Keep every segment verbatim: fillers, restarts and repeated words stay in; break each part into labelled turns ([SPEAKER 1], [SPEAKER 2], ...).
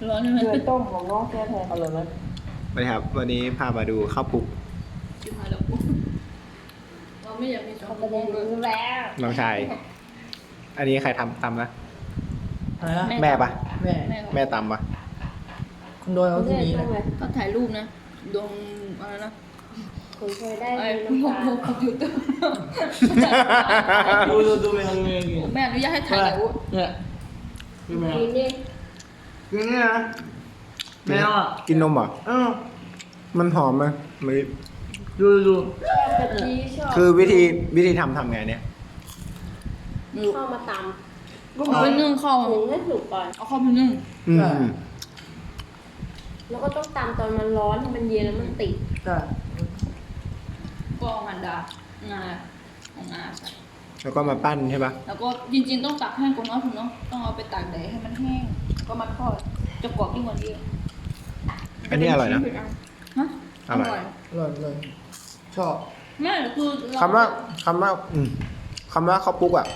[SPEAKER 1] ร้อนใช่ไหม
[SPEAKER 2] เกลือต้มของน้องแท้ๆอร่อยไหม
[SPEAKER 3] ไปครับ วันนี้พามาดูข้าวปลุก
[SPEAKER 1] ชิบหายแล้วกูเราไม่อยากมีสอง
[SPEAKER 2] เขา
[SPEAKER 1] ค
[SPEAKER 2] ไม่
[SPEAKER 1] น
[SPEAKER 2] ได้
[SPEAKER 1] เลย
[SPEAKER 2] รู้แล้ว
[SPEAKER 3] น้องชาย อันนี้ใครทำตำนะ
[SPEAKER 4] อะไรนะ
[SPEAKER 3] แม่ปะ
[SPEAKER 4] แม่
[SPEAKER 1] แม่
[SPEAKER 3] แม่ตำปะ
[SPEAKER 4] คุณโดยเขาที่นี้นะ
[SPEAKER 1] ก็ถ่ายรูปนะดวงอะไรนะ
[SPEAKER 2] คุณเคยได้
[SPEAKER 1] ไอ้
[SPEAKER 2] มี
[SPEAKER 1] พวก
[SPEAKER 2] น้ำตา
[SPEAKER 1] พวกคอมพิวเตอร์
[SPEAKER 4] ดูดูดูแมวดูแมวกิน
[SPEAKER 1] แม่อนุญาตให้ถ่ายแต่ว่า
[SPEAKER 4] เนี่ยดูแมว
[SPEAKER 2] กินนี่
[SPEAKER 4] กินนี่นะแมวอ่ะ
[SPEAKER 3] กินนมเหรอ
[SPEAKER 4] เออ
[SPEAKER 3] มันหอมไหมไม่
[SPEAKER 4] ดูดู
[SPEAKER 2] ชอบกะทิชอบ
[SPEAKER 3] คือวิธีวิธีทำทำไงเนี่ย
[SPEAKER 1] ไม่รู้
[SPEAKER 2] เข้ามาต
[SPEAKER 4] ก็
[SPEAKER 1] เอา
[SPEAKER 4] เหมื
[SPEAKER 1] ไป
[SPEAKER 4] อน
[SPEAKER 1] นึ่งข้าว
[SPEAKER 2] ำหุงให้สุกก่อน
[SPEAKER 1] เอาข้าวไปนึ่ง
[SPEAKER 3] อืม
[SPEAKER 2] แล้วก็ต้องตำตอนมันร้อนให้มันเย็นแล้วมันติด
[SPEAKER 4] ใช่
[SPEAKER 1] ก็เอามันดางาของงาใส่
[SPEAKER 3] แล้วก็มาปั้นใช่ปะ
[SPEAKER 1] แล้วก็จริงๆต้องตากแห้งก่อนเนาะคุณเนาะต้องเอาไปตากแดดให้มันแห้งก็มาทอดจะกรอบยิ่งกว่านี้
[SPEAKER 3] อันนี้อร่อยนะ
[SPEAKER 1] ฮะ
[SPEAKER 3] อร่อย
[SPEAKER 4] อร่อยเลยชอบ
[SPEAKER 1] แม่คือเร
[SPEAKER 3] คำว่าคำว่าอืมคำว่าข้าวปลุกอ่ะ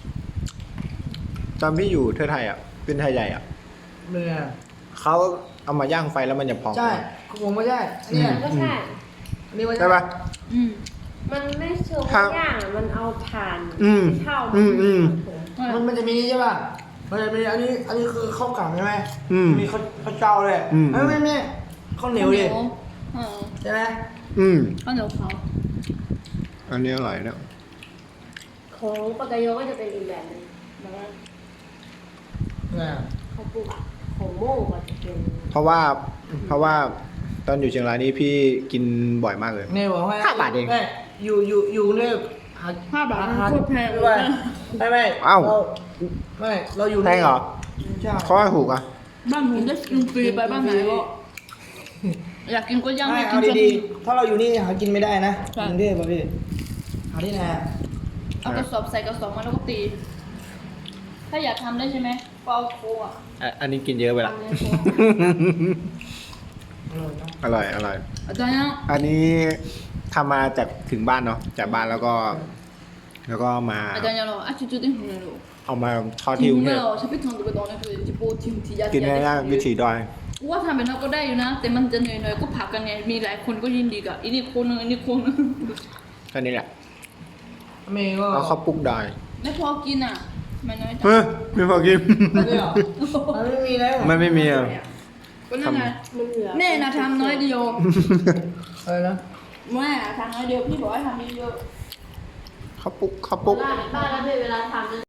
[SPEAKER 3] ตอนพี่อยู่เทือไทยอ่ะ เป็นไทยใหญ่อ่ะ
[SPEAKER 4] เป็นไง
[SPEAKER 3] เขาเอามาย่างไฟแล้วมันจะพอง
[SPEAKER 4] ใช่ผมไม่ใช่อันนี้
[SPEAKER 3] อืม
[SPEAKER 2] ก็ใช่
[SPEAKER 4] อันนี้ไม่
[SPEAKER 3] ใช่ปะ
[SPEAKER 1] อืม
[SPEAKER 2] มันไม่เชิง
[SPEAKER 3] ครับ
[SPEAKER 2] ย่างอะมันเอาถ่าน
[SPEAKER 3] อืม
[SPEAKER 2] เท่า
[SPEAKER 3] อืมอืม
[SPEAKER 4] มันมันจะมีนี่ใช่ป่ะมันจะมีอันนี้อันนี้คือข้าวกล่องใช่ไหม
[SPEAKER 3] อืม
[SPEAKER 4] มีข้าวข้าวเจ้าเลย
[SPEAKER 3] อืม
[SPEAKER 4] ไม่ไม่ไม่ข้าวเหนียวดิ
[SPEAKER 1] เออ
[SPEAKER 4] ใช่ไหม
[SPEAKER 3] อืม
[SPEAKER 1] ข้าวเหนียวขาว
[SPEAKER 3] อันนี้อร่อยนะ
[SPEAKER 2] ของปากกายโยก็จะเป็นอีกแบบหนึงแบบว่า
[SPEAKER 4] เนี่ย
[SPEAKER 2] เขาปลูกอะของโม่ก็จะเป็น
[SPEAKER 3] เพราะว่า เพราะว่าตอนอยู่เชียงรายนี่พี่กินบ่อยมากเลย
[SPEAKER 4] เนี่ยบอกให้
[SPEAKER 3] ห้าบาทเอง
[SPEAKER 4] ไม่อยู่อยู่อยู่เนี่ยหา
[SPEAKER 1] ห้าบาท
[SPEAKER 4] หา
[SPEAKER 1] โคตรแพง
[SPEAKER 4] ไม่ไม่ไม่
[SPEAKER 3] เอ้า
[SPEAKER 4] รไม่เราอยู่
[SPEAKER 3] แพงเหรอ
[SPEAKER 4] ใช่
[SPEAKER 3] เขาให้ถูกอ่ะ
[SPEAKER 1] บ้านผมได้กินฟรีไปบ้านไหนก็อยากกินก็ย่าง
[SPEAKER 4] ไม่
[SPEAKER 1] ไม่กิ
[SPEAKER 4] เอา
[SPEAKER 1] น
[SPEAKER 4] ดีๆถ้าเราอยู่นี่หากินไม่ได้นะ
[SPEAKER 1] ใช่
[SPEAKER 4] กรุงเทพป่ะพี่หาที่ไหนอะ
[SPEAKER 1] เอากระสอบใส่กระสอบมาแล้วก็ตี ถ้าอยากทำได้ใช่ไหมก็เอาโคอ่ะ
[SPEAKER 3] อ่ะอันนี้กินเยอะไปละ
[SPEAKER 1] ทำในโค
[SPEAKER 4] อร่อยนะ
[SPEAKER 3] อร่อย อร่อย
[SPEAKER 1] อาจารย์ยัง
[SPEAKER 3] อันนี้ทำมาจากถึงบ้านเนาะ จากบ้านแล้วก็ แล้วก็มา
[SPEAKER 1] อาจารย์ยังรออ่ะจุดจุดที่หัวเรา
[SPEAKER 3] เอามาทอดที่กรุงเทพ
[SPEAKER 1] เราฉันไปทำตัวไปตอนนั้นคือจิโปทิมทียา
[SPEAKER 3] กินง่ายๆวิถีดอย
[SPEAKER 1] ว่าทำเป็นเราก็ได้อยู่นะ แต่มันจะเหนื่อยๆก็ผักกันไง มีหลายคนก็ยินดีกับอีนี่คนนึงอันนี้คนนึง
[SPEAKER 3] แค่นี้แหละ
[SPEAKER 4] เมย์ก็
[SPEAKER 3] เอาข้าวปลุกดอย
[SPEAKER 1] ไม่พอกินอ่ะไม่น้อยจัง
[SPEAKER 3] เฮ้ยไม่พอกิน
[SPEAKER 4] ไม่เหรอมันไม่มีแล้ว
[SPEAKER 3] มันไม่มีอ่ะ
[SPEAKER 1] ก็นั่นไง
[SPEAKER 2] มันเหลือ
[SPEAKER 1] แม่นะทำน้อยเดียว
[SPEAKER 4] อะไรนะ
[SPEAKER 1] แม่ทำน้อยเดียวพี่บอกให้ทำเยอะ
[SPEAKER 3] ข้าวปลุกข้าวปลุก
[SPEAKER 2] บ้านบ้านแล้วเป็นเวลาทำนะ